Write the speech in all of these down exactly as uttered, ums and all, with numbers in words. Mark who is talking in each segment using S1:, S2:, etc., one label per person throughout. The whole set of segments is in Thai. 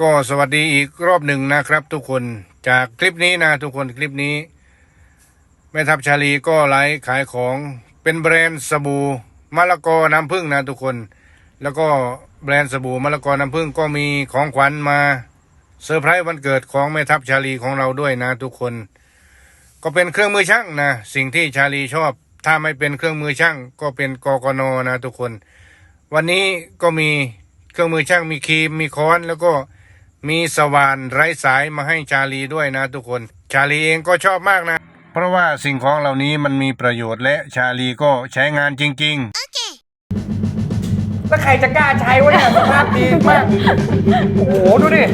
S1: ก็สวัสดีอีกรอบหนึ่งนะครับทุกคนจากคลิปนี้นะทุกคนคลิปนี้แม่ทัพชาลีก็ไลฟ์ขายของเป็นแบรนด์สบู่มะละกอน้ำผึ้งนะทุกคนแล้วก็แบรนด์สบู่มะละกอน้ำผึ้งก็มีของขวัญมาเซอร์ไพรส์วันเกิดของแม่ทัพชาลีของเราด้วยนะทุกคนก็เป็นเครื่องมือช่างนะสิ่งที่ชาลีชอบถ้าไม่เป็นเครื่องมือช่างก็เป็นกกนนะทุกคนวันนี้ก็มีเครื่องมือช่างมีครีมมีค้อนแล้วก็มีสว่านไร้สายมาให้ชาลีด้วยนะทุกคนชาลีเองก็ชอบมากนะเพราะว่าสิ่งของเหล่านี้มันมีประโยชน์และชาลีก็ใช้งานจริงๆ
S2: okay. แล้วใครจะกล้าใช้วะเนี่ยสภาพดีมากโอ้โหดูดิ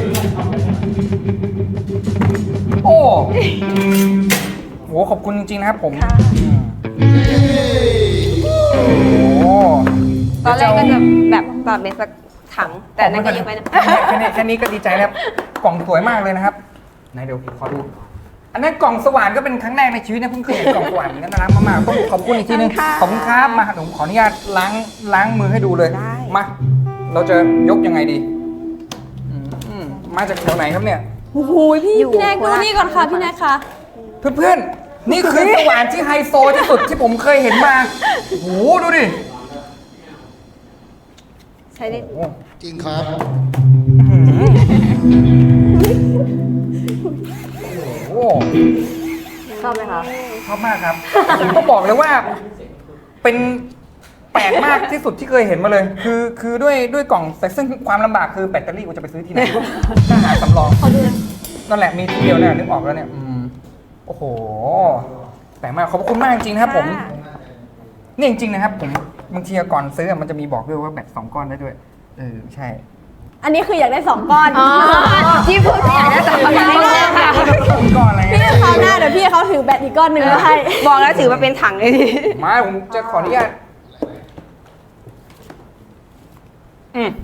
S2: โอ้โหขอบคุณจริงๆนะครับผมโอ้โห
S3: ตอนแรกก็จะแบบตอนเป็นสักถังแต่นั่นก็ยังไม่ได้
S2: แค่นี้แค่นี้ก็ดีใจแล้วกล่องสวยมากเลยนะครับไหนเดี๋ยวขอดูอันนั้นกล่องสว่านก็เป็นครั้งแรกในชีวิตนะเพิ่งเคยเห็นกล่องสว่านเหมือนกันนะมากๆต้องขอบคุณอีกทีนึงขอบคุณครับมาผมขออนุญาตล้างล้างมือให้ดูเลยมาเราจะยกยังไงดีอืมมาจากแถวไหนครับเนี่ย
S4: โอ้โหพี่พี่แนกดูนี่ก่อนค่ะพี่แนกค่ะ
S2: เพื่อนๆนี่คือสว่านที่ไฮโซที่สุดที่ผมเคยเห็นมาโอ้โหดูดิ
S3: ใช้ได้
S5: จริงครับ
S2: โอ้
S3: ชอบไหมคะ
S2: ชอบมากครับผมต้องบอกเลยว่าเป็นแปลกมากที่สุดที่เคยเห็นมาเลย คือคือด้วยด้วยกล่องแต่ซึ่งความลำบากคือแบตเตอรี่กูจะไปซื้อที่ไหนถ้าหาสำรองนั่นแหละมีที่เดียวเนี่ยนึกออกแล้วเนี่ยอืมโอ้โหแปลกมากขอบคุณมากจริงๆนะครับผมนี่จริงๆนะครับผมบางทีก่อนซื้อมันจะมีบอกด้วยว่าแบตสองก้อนได้ด้วยเออใช่
S4: อันนี้คืออยากได้สองก้อน
S3: ที่พูดอยากได้สองก้อนอยากได้แน่ค่ะ
S2: สองก้อนอะไร
S4: พี่คราวหน้าเดี๋ยวพี่เขาถือแบตอีกก้อนหนึ่งมาให้
S3: บอกแล้วถือมาเป็นถังเลยดิ
S2: มาผมจะขออนุญาตอืม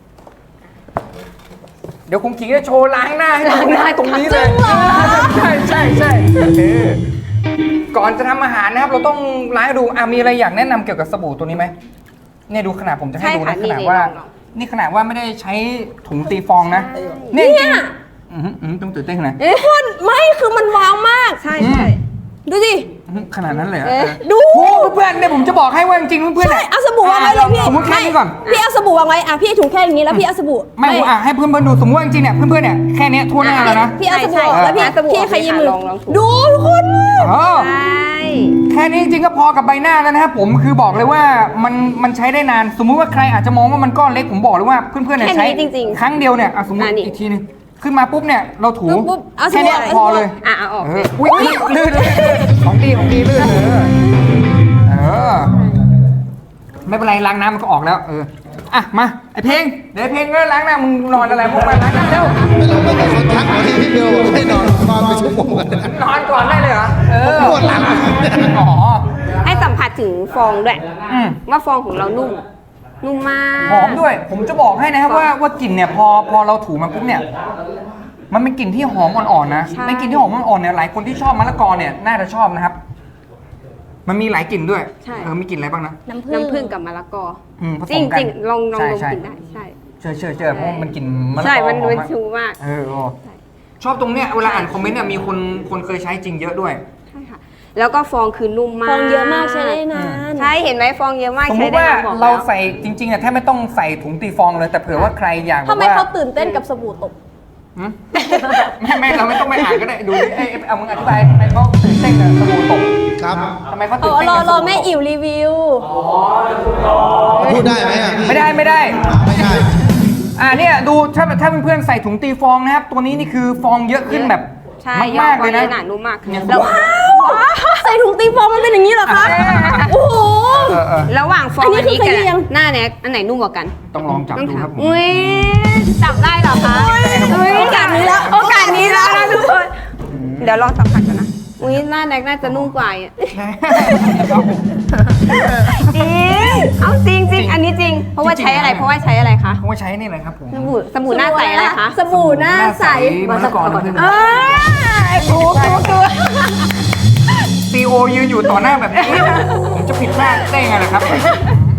S2: เดี๋ยวคุณขิงจะโชว์ล้างหน้าให้ดูได้ตรงนี้เลยใช่ใช่ใช่เออก่อนจะทำอาหารนะครับ เราต้องล้างให้ดูอ่ะมีอะไรอยากแนะนำเกี่ยวกับสบู่ตัวนี้ไหมเนี่ยดูขนาดผมจะให้ดูนะขนาดว่า นี่ขนาดว่าไม่ได้ใช้ถุงตีฟองนะเนี่ยจริงๆอืมอืมต้องตื่นเต้นขนาด
S4: คุณไม่คือมันวางมาก
S3: ใช่ใช่
S4: ดูสิ
S2: ขนาดนั้นเลยเหรอ
S4: ดู
S2: โอ้เพื่อนเนี่ยผมจะบอกให้ว่าจริงๆเพื่อน
S4: ใช่
S2: เนี่ย
S4: เอาสบู่วางไว้เลยพี่
S2: สมมติแค่นี้ก่อน
S4: พี่เอาสบู่วางไว้อ่ะพี่ถุงแค่อย่างนี้แล้วพี่เอาสบู่
S2: ไม่ผมอ่ะให้เพื่อนๆดูสมมติว่าจริงๆเนี่ยเพื่อนๆเนี่ยแค่เนี้ยทั่วหน้าแล้วนะ
S4: พี่เอาสบู่แล้วพี่พี่ขยี้มือ
S3: ลองลองถู
S4: ดูทุกคน
S2: เออ
S3: ใช่
S2: แค่นี้จริงๆก็พอกับใบหน้าแล้วนะครับผมคือบอกเลยว่ามันมันใช้ได้นาน สมมุติว่าใครอาจจะมองว่ามันก้อนเล็กผมบอกเลยว่าเพื่อนๆเนี่ยใช้ครั้งเดียวเนี่ยอ่ะสมมติอีกทีนึงขึ้นมาปุ๊บเนี่ยเราถูแค่นี้พอเลย
S3: อ่ะเอาออก
S2: เอออุ้ยลื่นเลยของดีของดีลื่นเออเออไม่เป็นไรล้างน้ำมันก็ออกแล้วเอออ่ะมาไอเพลงเดี๋ยวไอเพลงก็ล้างหน้ามึงนอนอะไรพวกมันล้างน้ำเร็ว
S5: ไม่รู้ไม่รู้คนทักมาที่พี่เบลบอกให้นอนนอนไปชั่วโมงกันนะ
S2: นอนก่อนได้เลยเหรอเออ
S5: ปวดหลัง
S2: อ๋อ
S3: ให้สัมผัสถึงฟองด้วย
S2: อืม
S3: ว่าฟองของเรานุ่ม นุ่มมาก
S2: หอมด้วย ผมจะบอกให้นะครับว่าว่ากลิ่นเนี่ยพอพอเราถูมันปุ๊บเนี่ยมันเป็นกลิ่นที่หอมอ่อนๆนะเป็นกลิ่นที่หอมอ่อนๆเนี่ยหลายคนที่ชอบมะละกอเนี่ยน่าจะชอบนะครับ มันมีหลายกลิ่นด้วยเออมีกลิ่นอะไรบ้างนะ
S4: น้ำผึ้ง
S3: น้ำผึ้งกับมะละกอ
S2: อืมผส
S3: จริง
S2: มกัน
S3: จริงลองลองลอง
S2: ใช่
S3: กินได้ใช่
S2: เชื่อเชื่อเชื่อเพราะมันกลิ่นมะละกอ
S3: ใช่มัน
S2: หอ
S3: มัน
S2: มาก
S3: ชูมาก
S2: เออโอ้ชอบตรงเนี้ยเวลาอ่านคอมเมนต์เนี่ยมีคนคนเคยใช้จริงเยอะด้วย
S3: ใช่ค่ะ แล้วก็ฟองคือนุ่มมาก
S4: ฟองเยอะมากใช้ได้นาน
S3: ใช่เห็นไหมฟองเยอะมาก
S2: สมม
S3: ใช้
S2: ติ
S3: ได้
S2: ว่า
S3: บอก
S2: เรา
S3: แล้ว
S2: ใส่จริงๆเนี่ยแทบไม่ต้องใส่ถุงตีฟองเลยแต่เผื่อว่าใครอยากแบ
S4: ทำ
S2: บ
S4: ไม
S2: ว่า
S4: เขาตื่นเต้นกับสบู่ตก
S2: หืมไม่ไม่เราไม่ต้องไปอ่านก็ได้ดูดิเอ้ยเอามึงอธิบายทำไมเขาตื่นเต้นกับสบู่ตก
S5: ครับ
S2: ทำไมเขา
S4: เอ
S2: ตื่น
S4: อ
S2: เต้น
S4: รอ
S2: กับส
S4: รอ
S2: บู่
S4: แม่
S2: ตก
S4: อิ๋วรีวิว
S5: พูดได้ไหมอ่ะพี่
S2: ไม่ได้ไม่ได้
S5: ไม่ได้
S2: อ่าเนี่ยดูถ้าถ้าเพื่อนๆใส่ถุงตีฟองนะครับตัวนี้นี่คือฟองเยอะขึ้นแบบ
S3: ใช่
S2: มากๆเลยนะ
S3: หนานุ่มมาก
S2: เนี่ย
S3: แล้ว
S4: ใส่ถุงตีฟองมันเป็นอย่างนี้เหรอคะโอ้โห
S2: เออเออ
S3: ระหว่างฟอง
S4: อันนี้
S3: อันนี้
S4: คือ
S3: กับ
S4: ขยี้ยัง
S3: หน้าแน็กอันไหนนุ่มกว่ากัน
S2: ต้องลองจับ
S3: ต้อง
S2: ดู
S3: ถา
S2: ค
S3: ม
S2: รับผม
S3: อุ้ยจับได้เหรอคะอุ้ย
S4: โอกาสนี้แล้ว
S3: โอกาสนี้แล้วนะทุกคนเดี๋ยวลองสัมผัสกันนะอุ้ยหน้าแน็กน่าจะนุ่มกว่าอ่ะจริงเอาจริงจริงอันนี้จริง เพราะว่าใช้อะไรเพราะว่าใช้อะไรคะ
S2: ผมว่าใช้นี่เลยครับผม
S3: สบู่สบู่หน้าใสอะไรคะ
S4: สบู่หน้าใส
S2: มะละกอน้ำผึ้ง
S3: เออถูกถูกถูก
S2: ซีโอยืนอยู่ต่อหน้าแบบนี้ผมจะผิดพลาดได้ไงล่ะครับ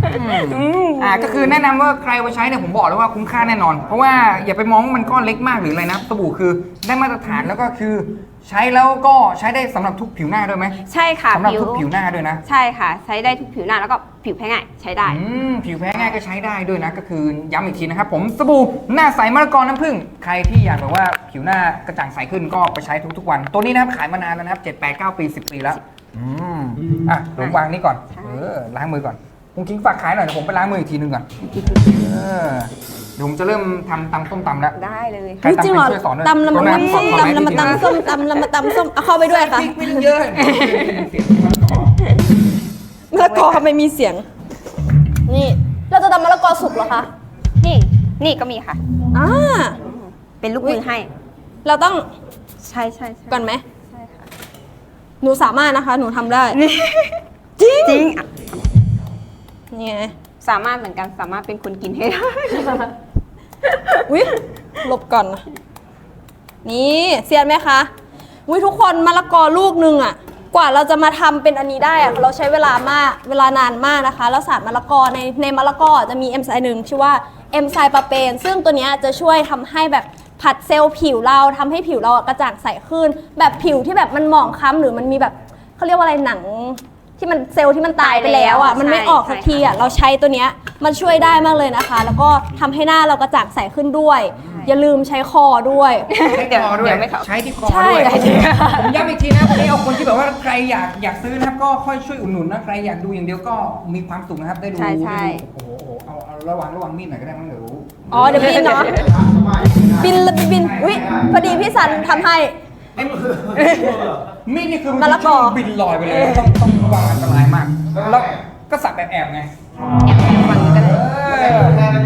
S2: อ่าก็คือแนะนำว่าใครเอาไปใช้เนี่ยผมบอกเลยว่าคุ้มค่าแน่นอน เพราะว่าอย่าไปมองว่ามันก้อนเล็กมากหรืออะไรนะสบู่คือได้มาตรฐานแล้วก็คือใช้แล้วก็ใช้ได้สำหรับทุกผิวหน้าด้วยไหม
S3: ใช่ค่ะ
S2: สำหรับทุกผิวหน้าด้วยนะ
S3: ใช่ค่ะ ใช้ได้ทุกผิวหน้าแล้วก็ผิวแพ้ง่ายใช้ได้
S2: อืมผิวแพ้ง่ายก็ใช้ได้ด้วยนะ ก็คือย้ำอีกทีนะครับผมสบู่หน้าใสมะละกอน้ำผึ้งใครที่อยากแบบว่าผิวหน้ากระจ่างใสขึ้นก็ไปใช้ทุกๆวัน ตัวนี้นะครับขายมานานแล้วนะครับเจ็ดแปดเก้าปีสิบปีแล้วอืมอ่ะผมวางนี่ก่อน
S3: ใช่
S2: เออล้างมือก่อนคุณคิงฝากขายหน่อยเดี๋ยวผมไปล้างมืออีกทีนึงก่อนเออเดี๋ยวผมจะเริ่มทำตำส้มตำแล้ว
S3: ได้เลย
S2: ใคร
S4: จริงเหรอ
S2: ตำเป็นช่วยสอนด้วย
S4: ตำละ
S2: ตัว
S4: มุ
S2: นั้น นขอขอ
S4: ตำ
S2: ไม้
S4: ละมา
S2: ทีนึง
S4: ตำส้มตำละมาตำส้มเอาเข้าไปด้วยค่ะ
S2: พริกไม่ต้องเยอะเสียงมันก่อน
S4: มะละกอทำไมมีเสียง นี่ เราจะทำมะละกอสุกเหรอคะ
S3: นี่นี่ก็มีค่ะ
S4: อ่า
S3: เป็นลูกมือให้
S4: เราต้อง
S3: ใช่ใช่ใช่
S4: ก่อนไหม
S3: ใช่ค่ะ
S4: หนูสามารถนะคะ หนูทำได้ จริง
S3: จริงอ่ะ
S4: นี่ไง
S3: สามารถเหมือนกันสามารถเป็นคนกินให้ได้
S4: อุ้ยหลบก่อนนะนี่เซียนไหมคะอุ้ยทุกคนมะละกอลูกหนึงอะกว่าเราจะมาทำเป็นอันนี้ได้อะเราใช้เวลามากเวลานานมากนะคะ แล้วสารมะละกอในในมะละกอจะมีเอนไซม์หนึ่งชื่อว่าเอนไซม์ปาเปนซึ่งตัวเนี้ยจะช่วยทำให้แบบผัดเซลล์ผิวเราทำให้ผิวเราอะกระจ่างใสขึ้น แบบผิวที่แบบมันหมองคล้ำหรือมันมีแบบเขาเรียกว่าอะไรหนังที่มันเซลล์ที่มันตายไปแล้วอ่ะ
S3: ตายแล้ว
S4: มันไม่ออกสักทีอ่ะเราใช้ตัวเนี้ยมันช่วยได้มากเลยนะคะ แล้วก็ทำให้หน้าเรากระจ่างใสขึ้นด้วย อย่าลืมใช้คอด้วย
S2: ใช้
S3: เดี๋ยว
S2: คอด้วย
S3: เดี๋ยวไม่เข้า
S2: ใช้ที่คอ
S4: ใช่
S2: ด้วยผมย้ำอีกทีนะวันนี้เอาคนที่แบบว่าใครอยากอยากซื้อนะครับก็ค่อยช่วยอุดหนุนนะใครอยากดูอย่างเดียวก็มีความสุขนะครับได้ดู
S3: ใช่ใช่
S2: ได้ดูโอ้โหเอาเอาระวังระวังมีดหน่อยก็ได้มั้งเดี๋ยว
S4: อ๋อเดี๋ยวบินเนาะบินละบินอุ้ยพอดีพี่สันทำให้
S2: ไอ้มีดนี่คือ
S4: มะละกอ
S2: บินลอยไปเลยต้องต้องระวังอันตรายมากแล้วก็สับแบบแอบไง
S3: ฝั่งนี้ก็ได้
S2: เออ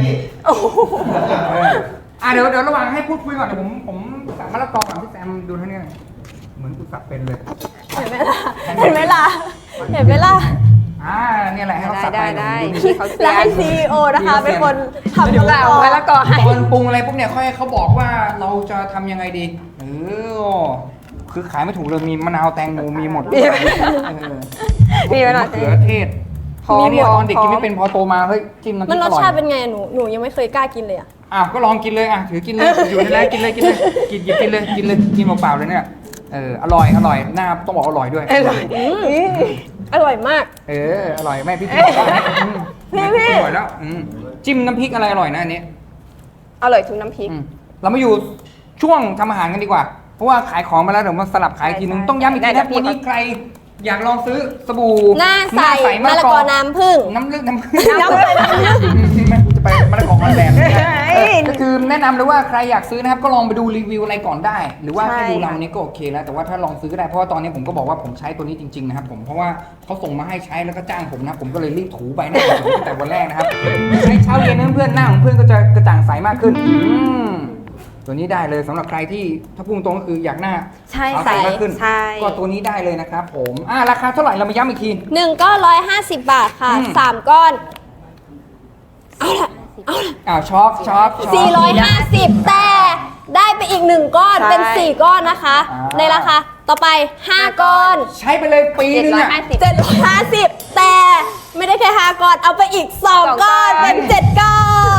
S2: อ่ะเดี๋ยวเดี๋ยวระหว่างให้พูดคุยก่อนเดี๋ยวผมผมสับมะละกอก่อนพี่แซมดูเท่านี้หน่อยเหมือนกูสับเป็นเลย
S4: เห็นไหมล่ะเห็นไหมล่ะเห็นไหมล่ะ
S2: อ่าเนี่ยแหละให้เขาสับไป
S3: ได้ได้
S2: ดู
S3: ได้
S2: ดิ
S3: เขาเสี
S4: แล้ว
S3: ย
S4: ให้ซีอีโอนะคะเป็นคนทำมะละกอ
S3: มะละกอให้
S2: ตอนปรุงอะไรปุ๊บเนี่ยค่อยให้เขาบอกว่าเราจะทำยังไงดีเออคือขายไม่ถูกเลยมีมะนาวแตงโมมีหมดเออ
S3: มีมะนาว
S2: เขือเทศ
S3: หอม
S2: นี่เนี่ยตอนเด็ก
S3: หอม
S2: กินไม่เป็นพอโตมาเฮ้ยจิ้มน้ำพ
S4: มั
S2: ริ
S4: น
S2: ก
S4: ร
S2: อ
S4: ส
S2: ร่อย
S4: ชาติเป็นไงหนูหนูยังไม่เคยกล้ากินเลยอ่ะ
S2: อ้าวก็ลองกินเลยอ่ะถือกินเลยอยู่ในนั้นกินเลยกินเลยกินหยิบกินเลยกินเลยกินเปล่าๆเลยเนี่ยเอออร่อยอร่อยหน้าต้องบอกอร่อยด้วย
S3: อร่อย
S4: อืมอร่อยมาก
S2: เอออร่อยแม่พี่พี่บอกแล้วอืม
S4: พี่พี่
S2: อร่อยแล้วอืมจิ้มน้ำพริกอะไรอร่อยนะอันนี้
S3: อร่อยทุกน้ำพริก
S2: อืมเรามาอยู่ช่วงทำอาหารกันดีกว่า เพราะว่าขายของมาแล้วเดี๋ยวมาสลับขายอีกทีนึง
S3: ใช่
S2: ต้องย้ำอีกที
S3: ได้
S2: นะ
S3: แต่พี่
S2: วันนี้ใครอยากลองซื้อสบู่
S4: หน้าใสมะละกอน้ำผึ้ง
S2: น้ำลึกน้ำผึ้ง
S4: น้ำผึ้ง
S2: มันจะไปมะละกอฮอลแลนด์ก็คือแนะนำเลยว่าใครอยากซื้อนะครับก็ลองไปดูรีวิวอะไรก่อนได้ หรือว่า
S3: ใช่
S2: ให้ดูเรา
S3: ค่ะ
S2: นี้ก็โอเคแล้วแต่ว่าถ้าลองซื้อก็ได้เพราะว่าตอนนี้ผมก็บอกว่าผมใช้ตัวนี้จริงๆนะครับผมเพราะว่าเขาส่งมาให้ใช้แล้วก็จ้างผมนะผมก็เลยรีบถูไปหน้าผมตั้งแต่วันแรกนะครับใช้เช้าเย็นนะเพื่อนหน้าของเพื่อนก็จะกระจ่างใสมากขึ้นอืมตัวนี้ได้เลยสำหรับใครที่ถ้าพูดตรงก็คืออยากหน้า
S3: ใช่
S2: ขาวใสมากขึ้น
S3: ใช่
S2: ก็ตัวนี้ได้เลยนะครับผมอ่าราคาเท่าไหร่เรามาย้ำอีกที
S4: หนึ่งก้อนร้อยห้าสิบบาทค่ะ
S2: อืม
S4: สามก้อน เอาละเอาละ
S2: อ้าวช็อปช็อปช็อป
S4: สี่ร้อยห้าสิบแต่ได้ไปอีกหนึ่งก้อน
S3: ใช่
S4: เป็นสี่ก้อนนะคะ
S2: อ่า
S4: ในราคาต่อไปห้าก้อน
S2: ใช้ไปเลยปีนึงอ่ะ
S3: เจ็ดร้อยห้าสิบ
S4: เจ็ดร้อยห้าสิบแต่ไม่ได้แค่ห้าก้อนเอาไปอีกสอง
S3: สองก้
S4: ก้อ
S3: อน น
S4: เป็นเจ็ดก้อน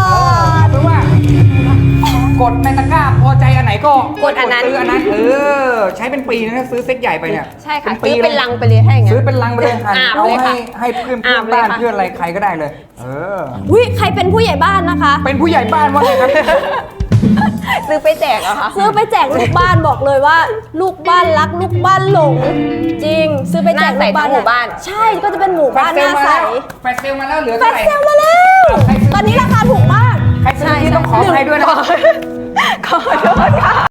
S2: เพราะว่ากดในตะกร้าพอใจอันไหนก็
S3: กดอันนั้น
S2: ซื้ออันนั้นเออใช้เป็นปีนะถ้าซื้อเซ็ตใหญ่ไปเนี่ย
S3: ใช่ค่ะ
S2: ปี
S3: ซื้อเป็นลังไปเลยถ้าอย่างเงี้ย
S2: ซื้อเป็นลังไปเลยค่ะ
S3: อาบ
S2: เอา
S3: เลย
S2: ให้
S3: ค่ะ
S2: ให้เพื่อนเพื่
S3: อา
S2: อน
S3: บเลย
S2: บ้าน
S3: ค่ะ
S2: เพื่อนอะไรใครก็ได้เลย เออ
S4: วิใครเป็นผู้ใหญ่บ้านนะคะ
S2: เป็นผู้ใหญ่บ้านว่าไงครับ
S3: ซื้อไปแจกเหรอคะ
S4: ซื้อไปแจกลูกบ้านบอกเลยว่า ลูกบ้านรักลูกบ้านหลง จริง ซื้อไปแจกลูกบ้าน
S3: หน้าใสทั้งหมู่บ้าน
S4: ใช่ก็จะเป็นหมู่บ้านหน้าใส
S2: แฟชเซลมาแล้วเหลือ
S4: แฟ
S2: เท่า
S4: ช
S2: ไหร่
S4: เซลมาแล้ว ตอนนี้ราคาถูกมาก
S2: ใครซื้อที่ต้องขอใครด้วยนะ
S3: ขอโทษ